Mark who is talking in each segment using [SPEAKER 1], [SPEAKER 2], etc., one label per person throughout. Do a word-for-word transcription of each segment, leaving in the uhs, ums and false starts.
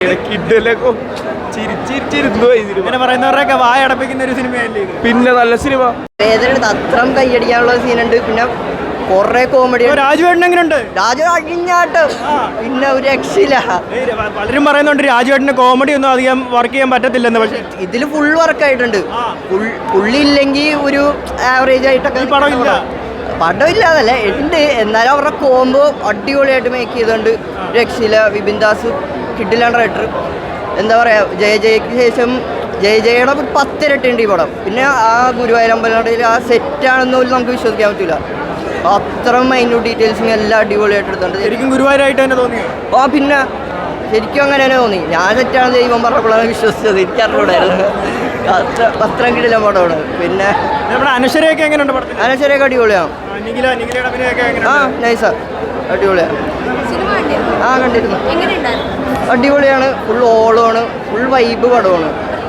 [SPEAKER 1] പറയുന്നവരൊക്കെ വായ അടപ്പിക്കുന്ന ഒരു സിനിമയല്ലേ?
[SPEAKER 2] പിന്നെ നല്ല സിനിമ,
[SPEAKER 3] അത്രം കൈയടിക്കാനുള്ള സീനുണ്ട്. പിന്നെ കൊറേ കോമഡി.
[SPEAKER 1] രാജുവേട്ടൻ എങ്ങനെയുണ്ട്?
[SPEAKER 3] രാജു അടിഞ്ഞാട്ട് പിന്നെ ഒരു രക്ഷയില്ല.
[SPEAKER 1] പലരും പറയുന്നുണ്ട് രാജുവേട്ടന് കോമഡി ഒന്നും അധികം വർക്ക് ചെയ്യാൻ പറ്റത്തില്ലെന്ന്. പക്ഷേ
[SPEAKER 3] ഇതിൽ ഫുൾ വർക്ക് ആയിട്ടുണ്ട്. പുള്ളി ഇല്ലെങ്കിൽ ഒരു ആവറേജ് ആയിട്ടൊക്കെ
[SPEAKER 1] പടം ഇല്ല.
[SPEAKER 3] പടം ഇല്ലാതല്ല ഉണ്ട്, എന്നാലും അവരുടെ കോംബോ അടിപൊളിയായിട്ട് മേക്ക് ചെയ്തുകൊണ്ട് രക്ഷയില്ല. വിപിൻ ദാസ് കിഡിലാണ് റൈറ്റർ. എന്താ പറയാ, ജയ ജയക്ക് ശേഷം ജയ ജയയുടെ ഒരു പത്തിരട്ടുണ്ട് ഈ പടം. പിന്നെ ആ ഗുരുവായൂരമ്പലത്തിൽ ആ സെറ്റാണെന്ന് പോലും നമുക്ക് വിശ്വസിക്കാൻ പറ്റില്ല. അത്ര മൈന്യൂട്ട് ഡീറ്റെയിൽസിങ് എല്ലാം അടിപൊളിയായിട്ട് എടുത്തുണ്ട്.
[SPEAKER 1] ശരിക്കും ഗുരുവായൂരായിട്ട് തന്നെ തോന്നി.
[SPEAKER 3] ആ പിന്നെ ശരിക്കും അങ്ങനെ തന്നെ തോന്നി. ഞാൻ സെറ്റാണ് ദൈവം പറഞ്ഞപ്പോഴാണ് വിശ്വസിച്ചത്. എനിക്കറിഞ്ഞൂടായിരുന്നു. അത്ര അത്രയും കിടില പടമാണ്. പിന്നെ
[SPEAKER 1] നമ്മുടെ അനശ്വരയൊക്കെ എങ്ങനെയുണ്ട് പടത്തിൽ?
[SPEAKER 3] അനശ്വരയൊക്കെ അടിപൊളിയാണ്. ആ നൈസാ, അടിപൊളിയാണ്. ആ കണ്ടിരുന്നു, അടിപൊളിയാണ്. ഫുൾ ഓളമാണ്, ഫുൾ വൈബ് പടമാണ്.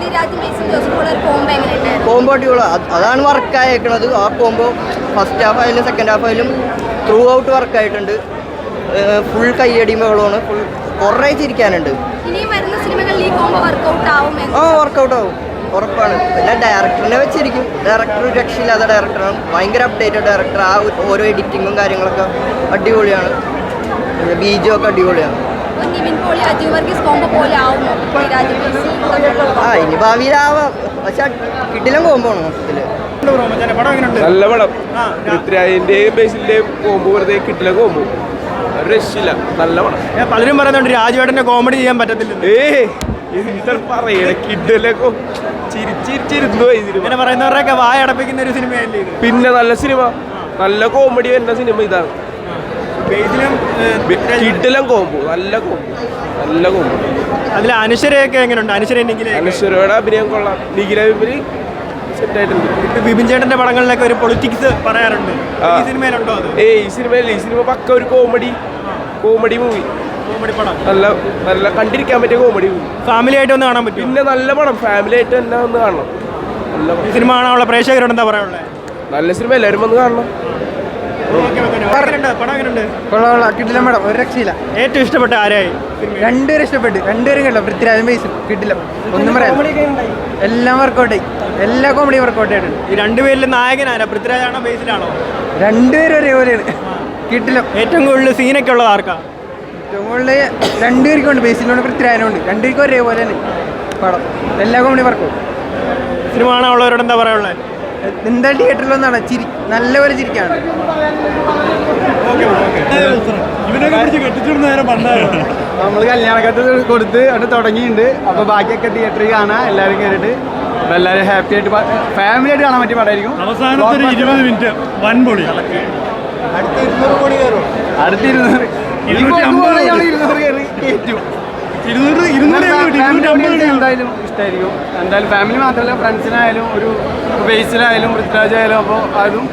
[SPEAKER 3] കോംബോ അടിപൊളി, അതാണ് വർക്കായേക്കണത്. ആ കോംബോ ഫസ്റ്റ് ഹാഫ് ആയാലും സെക്കൻഡ് ഹാഫ് ആയാലും ത്രൂ ഔട്ട് വർക്കായിട്ടുണ്ട്. ഫുൾ കയ്യടി മേളമാണ്. ഫുൾ കുറേ ചിരിക്കാനുണ്ട്. ആ വർക്കൗട്ട് ആവും, ഉറപ്പാണ്. പിന്നെ ഡയറക്ടറിനെ വെച്ചിരിക്കും. ഡയറക്ടർ രക്ഷയില്ലാത്ത ഡയറക്ടറാണ്. ഭയങ്കര അപ്ഡേറ്റഡ് ഡയറക്ടർ. ആ ഓരോ എഡിറ്റിങ്ങും കാര്യങ്ങളൊക്കെ അടിപൊളിയാണ്. ബീജും ഒക്കെ അടിപൊളിയാണ്. ആ ഇനി ഭാവിയിലാവാം, പക്ഷെ കിടിലം കോമ്പോണ് മൊത്തത്തില്.
[SPEAKER 2] നല്ല പടം. പൃഥ്വിരാജിന്റെയും ബേസിന്റെയും കോമ്പോ വെറുതെ കിട്ടില്ല. കോമ്പോ രക്ഷയില്ല, നല്ല പടം.
[SPEAKER 1] പലരും പറയുന്നുണ്ട് രാജുവേട്ടന്റെ കോമഡി ചെയ്യാൻ പറ്റത്തില്ല.
[SPEAKER 2] ഏ പറയണ കിഡിലൊക്കെ
[SPEAKER 1] ഇങ്ങനെ പറയുന്നവരൊക്കെ വായ അടപ്പിക്കുന്ന ഒരു സിനിമയല്ലേ?
[SPEAKER 2] പിന്നെ നല്ല സിനിമ, നല്ല കോമഡി വരുന്ന സിനിമ ഇതാണ്. കിഡിലും കോമ്പോ, നല്ല കോമ്പോ, നല്ല കോമ്പോ.
[SPEAKER 1] അതിൽ അനശ്വരയൊക്കെ എങ്ങനെയുണ്ട്? അനശ്വര
[SPEAKER 2] അനശ്വരയുടെ അഭിനയം കൊള്ളാം. നിഖില വിപിന് സെറ്റായിട്ടുണ്ട്.
[SPEAKER 1] ബിബിൻ ചേട്ടന്റെ പടങ്ങളിലൊക്കെ ഒരു പൊളിറ്റിക്സ് പറയാറുണ്ട്. ഈ സിനിമയിലുണ്ടോ അത്?
[SPEAKER 2] ഏ ഈ സിനിമയല്ല, ഈ സിനിമ പക്ക ഒരു കോമഡി കോമഡി മൂവി.
[SPEAKER 1] കോമഡി പടം,
[SPEAKER 2] നല്ല നല്ല കണ്ടിരിക്കാൻ പറ്റിയ കോമഡി മൂവി.
[SPEAKER 1] ഫാമിലി ആയിട്ട് ഒന്ന് കാണാൻ പറ്റും.
[SPEAKER 2] പിന്നെ നല്ല പടം, ഫാമിലി ആയിട്ട് തന്നെ ഒന്ന് കാണണം. നല്ല
[SPEAKER 1] ഈ സിനിമ കാണാനുള്ള പ്രേക്ഷകരോട് എന്താ പറയാനുള്ളത്?
[SPEAKER 2] നല്ല സിനിമ, എല്ലാവരും വന്ന് കാണണം.
[SPEAKER 4] കിട്ടില്ല മേഡം, ഒരു രക്ഷയില്ല.
[SPEAKER 1] ഏറ്റവും ഇഷ്ടപ്പെട്ട ആരായി?
[SPEAKER 4] രണ്ടുപേരും ഇഷ്ടപ്പെട്ടു, രണ്ടുപേരും കണ്ടോ. പൃഥ്വിരാജും ബേസും കിട്ടില്ല, ഒന്നും പറയാം. എല്ലാം വർക്കൗട്ട് ആയി, എല്ലാ കോമഡി വർക്കൗട്ട് ആയിട്ടുണ്ട്.
[SPEAKER 1] ഈ രണ്ടുപേരിൽ നായകൻ ആരാ? പൃഥ്വിരാജാണോ ബേസിലാണോ?
[SPEAKER 4] രണ്ടുപേരും ഒരേപോലെയാണ്. കിട്ടില്ല.
[SPEAKER 1] ഏറ്റവും കൂടുതൽ സീനൊക്കെ ഉള്ളത് ആർക്കാ?
[SPEAKER 4] ഏറ്റവും കൂടുതൽ രണ്ടുപേർക്കും ഉണ്ട്, ബേസിലുണ്ട് പൃഥ്വിരാജനുണ്ട്. രണ്ടുപേർക്കും ഒരേപോലെ തന്നെ പടം, എല്ലാ കോമഡി വർക്കൗട്ട്.
[SPEAKER 1] സിനിമ കാണാനുള്ളവരോട് എന്താ പറയാനുള്ളത്?
[SPEAKER 4] എന്താ തിയേറ്ററിൽ വന്നാണ് ചിരി, നല്ലപോലെ ചിരിക്കാണ്.
[SPEAKER 5] നമ്മൾ കല്യാണക്കത്ത് കൊടുത്ത് അവിടെ തുടങ്ങിയിട്ടുണ്ട്. അപ്പോൾ ബാക്കിയൊക്കെ തിയേറ്ററിൽ കാണാൻ എല്ലാവരും കയറിയിട്ട് അപ്പോൾ എല്ലാവരും ഹാപ്പി ആയിട്ട് ഫാമിലി ആയിട്ട് കാണാൻ പറ്റിയ പടമായിരിക്കും.
[SPEAKER 1] അവസാനത്തെ ഇരുപത് മിനിറ്റ് വൻ പൊളി.
[SPEAKER 5] അടുത്ത ഇരുന്നൂറ് കോടി കയറും. അടുത്ത ഇരുന്നൂറ് ഇരുന്നൂറ് കയറി കയറ്റും. എന്തായാലും ഇഷ്ടമായിരിക്കും. എന്തായാലും ഫാമിലി മാത്രമല്ല, ഫ്രണ്ട്സിനായാലും ഒരു ബേസിലായാലും പൃഥ്വിരാജായാലും. അപ്പോൾ അതും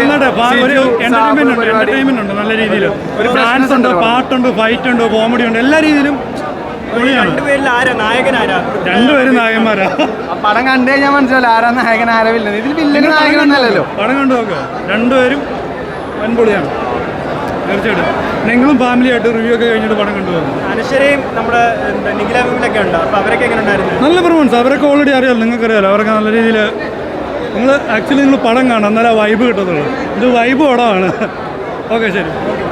[SPEAKER 1] നല്ല രീതിയിൽ ഒരു ഡാൻസ് ഉണ്ട്, പാട്ടുണ്ട്, ഫൈറ്റ് ഉണ്ട്, കോമഡി ഉണ്ട്, എല്ലാ രീതിയിലും. രണ്ടുപേരിൽ ആരാ നായകൻ? ആരാ? രണ്ടുപേരും നായകന്മാരാ.
[SPEAKER 5] പടം കണ്ടു കഴിഞ്ഞാൽ മനസ്സിലാവില്ല ആരാ നായകൻ ആരാ വില്ലൻ. ഇതിൽ വില്ലന് നായകനൊന്നല്ലല്ലോ.
[SPEAKER 1] പടം കണ്ടു നോക്കുക, രണ്ടുപേരും വൻപൊളിയാണ് തീർച്ചയായിട്ടും. നിങ്ങളും ഫാമിലി ആയിട്ട് റിവ്യൂ ഒക്കെ കഴിഞ്ഞിട്ട് പടം കണ്ടുപോകും. അനശ്വരയും നമ്മുടെ നിഖില വിപിനൊക്കെ ഉണ്ട്. അപ്പോൾ അവരൊക്കെ എങ്ങനെ ഉണ്ടായിരുന്നു? നല്ല പെർഫോമൻസ്. അവരൊക്കെ ഓൾറെഡി അറിയാമല്ലോ, നിങ്ങൾക്കറിയാമല്ലോ. അവരൊക്കെ നല്ല രീതിയിൽ നിങ്ങൾ ആക്ച്വലി നിങ്ങൾ പടം കാണാം, എന്നാലും ആ വൈബ് കിട്ടത്തുള്ളൂ. ഇത് വൈബ് പടമാണ്. ഓക്കെ, ശരി.